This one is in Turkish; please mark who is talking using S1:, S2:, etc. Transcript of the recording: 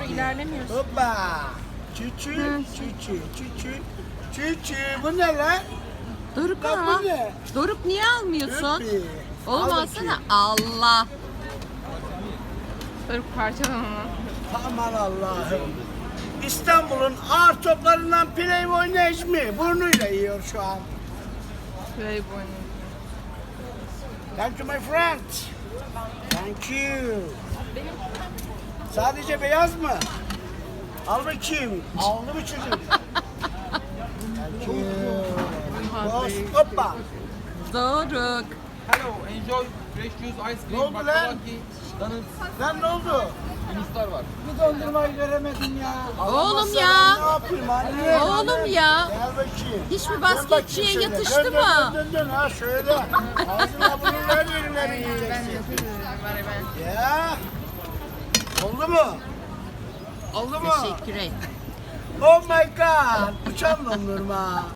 S1: ilerlemiyorsun.
S2: Hoppa. Çüçü, çüçü, çüçü. Çüçü. Bu ne lan?
S3: Doruk
S2: Lan
S3: ama.
S2: bu ne?
S3: Doruk niye almıyorsun?
S2: Öpü.
S3: Oğlum
S2: Al
S3: alsana.
S2: bakayım.
S3: Allah.
S1: Doruk parçalama.
S2: Aman Allah'ım. İstanbul'un ağır toplarından Playboy Necmi burnuyla yiyor şu an.
S1: Playboy.
S2: Thank you my friend. Thank you. Sadece beyaz mı? Al bakayım. Aldı mı çocuk? Thank you. Boss, hoppa.
S3: Doruk.
S4: Hello, enjoy fresh juice, ice
S2: Ne oldu
S4: cream,
S2: lan?
S4: baklavaки, donuts,
S2: Lan ne oldu?
S4: yunuslar var.
S2: Bir dondurmayı göremedim ya.
S3: Oğlum
S2: Alamazsan
S3: ya.
S2: Ne yapayım anne?
S3: Oğlum ya.
S2: Gel bakayım.
S3: Hiç mi
S2: Dön
S3: basketçiye
S2: bakayım şöyle.
S3: yatıştı
S2: Dön,
S3: mı?
S2: Dön ha şöyle. Ağzına burnuna her yerine yiyeceksin. Ya. Oldu mu? Oldu mu?
S3: Teşekkür et.
S2: Oh my god. Uçan dondurma.